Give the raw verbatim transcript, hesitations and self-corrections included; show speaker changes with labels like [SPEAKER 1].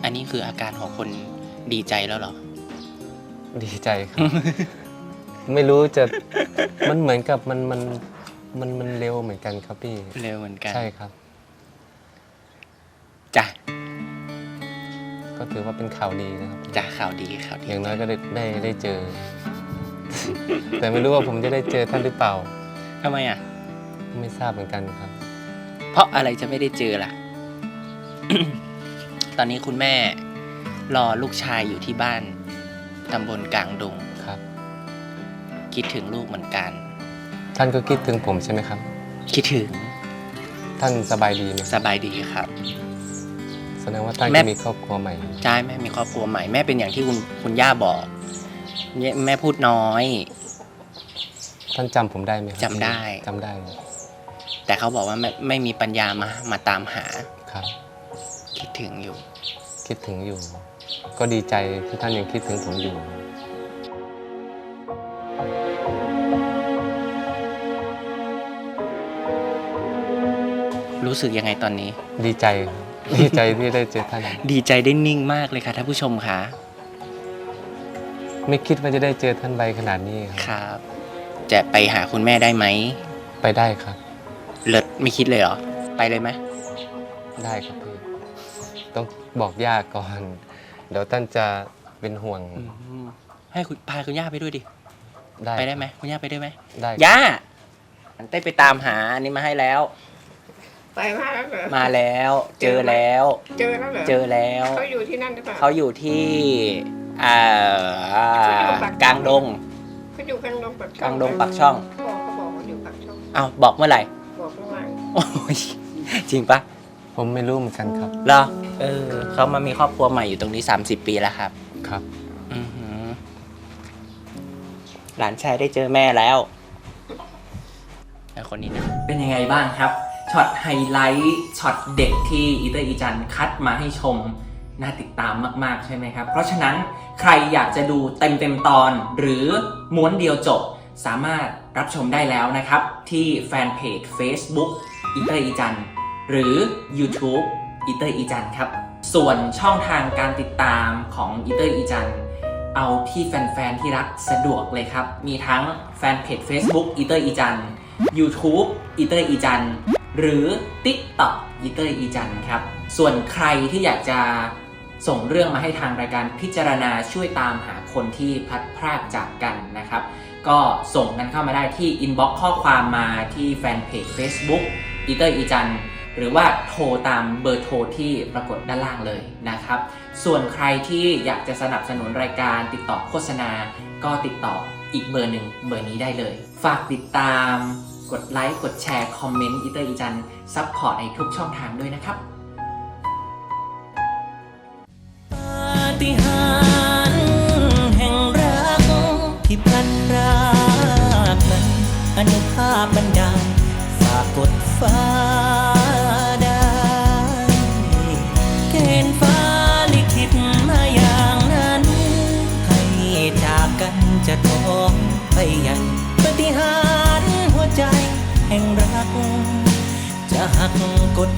[SPEAKER 1] อันนี้คืออาการของคนดีใจแล้วเหรอ
[SPEAKER 2] ดีใจครับ ไม่รู้จะมันเหมือนกับมันมันมันมันเร็วเหมือนกันครับพี่
[SPEAKER 1] เร็วเหมือนกัน
[SPEAKER 2] ใช่ครับ
[SPEAKER 1] จ้ะ
[SPEAKER 2] ก็ถือว่าเป็นข่าวดีนะครับ
[SPEAKER 1] จ้ะข่าวดีข่าวดี
[SPEAKER 2] อย่างน้อยก็ได้ได้ได้เจอ แต่ไม่รู้ว่าผมจะได้เจอท่านหรือเปล่า
[SPEAKER 1] ทำไมอ่ะ
[SPEAKER 2] ไม่ทราบเหมือนกันครับ
[SPEAKER 1] เพราะอะไรจะไม่ได้เจอล่ะ ตอนนี้คุณแม่รอลูกชายอยู่ที่บ้านตำบลกลางดง
[SPEAKER 2] ครับ
[SPEAKER 1] คิดถึงลูกเหมือนกัน
[SPEAKER 2] ท่านก็คิดถึงผมใช่ไหมครับ
[SPEAKER 1] คิดถึง
[SPEAKER 2] ท่านสบายดีไหม
[SPEAKER 1] สบายดีครับ
[SPEAKER 2] แสดงว่าท่านก็มีครอบครัวใหม่
[SPEAKER 1] ใช่แม่มีครอบครัวใหม่แม่เป็นอย่างที่คุณคุณย่าบอกแม่พูดน้อย
[SPEAKER 2] ท่านจำผมได้ไหม
[SPEAKER 1] จำได้
[SPEAKER 2] จำได้
[SPEAKER 1] แต่เขาบอกว่าไม่ไม่มีปัญญามามาตามหา
[SPEAKER 2] ครับ
[SPEAKER 1] คิดถึงอยู่
[SPEAKER 2] คิดถึงอยู่ก็ดีใจที่ท่านยังคิดถึงผมอยู่
[SPEAKER 1] รู้สึกยังไงตอนนี้
[SPEAKER 2] ดีใจดีใจที่ได้เจอท่าน
[SPEAKER 1] ดีใจได้นิ่งมากเลยค่ะท่านผู้ชมค่ะ
[SPEAKER 2] ไม่คิดว่าจะได้เจอท่านใบขนาดนี้
[SPEAKER 1] ครับจะไปหาคุณแม่ได้ไหม
[SPEAKER 2] ไปได้ครับ
[SPEAKER 1] เลิศไม่คิดเลยเหรอไปเลยไหม
[SPEAKER 2] ได้ครับพี่ต้องบอกย่าก่อนเดี๋ยวท่านจะเป็นห่วง
[SPEAKER 1] ให้คุณพาคุณย่าไปด้วยดิ
[SPEAKER 2] ได้
[SPEAKER 1] ไปได้ไหมคุณย่าไปได้ไหม
[SPEAKER 2] ได้
[SPEAKER 1] ย่าเต้ไปตามหาอันนี้มาให้แล้ว
[SPEAKER 3] ไปมาแล้วเหรอ
[SPEAKER 1] มาแล้วเจอแล้ว
[SPEAKER 3] เจอแล้วเหรอ
[SPEAKER 1] เจอแล้ว
[SPEAKER 3] เขาอยู่ที่นั่นหรือเปล่า
[SPEAKER 1] เขาอยู่ที่อ่ากลางดง
[SPEAKER 3] เขาอยู่กลางดงปาก
[SPEAKER 1] กลางดงปากช่อง
[SPEAKER 3] บอกเขาบอกว่าอยู่ปากช่อง
[SPEAKER 1] อ้าวบอกเมื่อไหร่
[SPEAKER 3] บอกเมื่อวาน
[SPEAKER 1] โอ้ยจริงปะ
[SPEAKER 2] ผมไม่รู้เหมือนกันครับ
[SPEAKER 1] เหรอเออเขามามีครอบครัวใหม่อยู่ตรงนี้สามสิบปีแล้วครับ
[SPEAKER 2] ครับ
[SPEAKER 1] อือหือหลานชายได้เจอแม่แล้วคนนี้นะเป็นยังไงบ้างครับช็อตไฮไลท์ช็อตเด็กที่อีเตอร์อีจันคัดมาให้ชมน่าติดตามมากๆใช่ไหมครับเพราะฉะนั้นใครอยากจะดูเต็มเต็มตอนหรือม้วนเดียวจบสามารถรับชมได้แล้วนะครับที่แฟนเพจ Facebook อีเตอร์อีจันหรือ YouTube อีเตอร์อีจันครับส่วนช่องทางการติดตามของอีเตอร์อีจันเอาที่แฟนๆที่รักสะดวกเลยครับมีทั้งแฟนเพจ Facebook อีเตอร์อีจันYouTube อีเตอร์อีจันหรือ TikTok อีเตอร์อีจันครับส่วนใครที่อยากจะส่งเรื่องมาให้ทางรายการพิจารณาช่วยตามหาคนที่พลัดพรากจากกันนะครับก็ส่งกันเข้ามาได้ที่ inbox ข้อความมาที่แฟนเพจ Facebook อีเตอร์อีจันหรือว่าโทรตามเบอร์โทรที่ปรากฏด้านล่างเลยนะครับส่วนใครที่อยากจะสนับสนุนรายการติดต่อโฆษณาก็ติดต่ออีกเบอร์หนึ่งเบอร์นี้ได้เลยฝากติดตามกดไลค์กดแชร์คอมเมนต์อีเตอร์อีจันซัพพอร์ตในทุกช่องทางด้วยนะครับปาฏิหาริย์แห่งรักที่พลันพรากนั้นอนุภาพบันดาลฝากกดฟ้าได้เกณฑ์ฟ้าลิขิตมาอย่างนั้นให้จากกันจะท้องไปยังปาฏิหาริย์หัวใจแห่งรักจะหักกฎ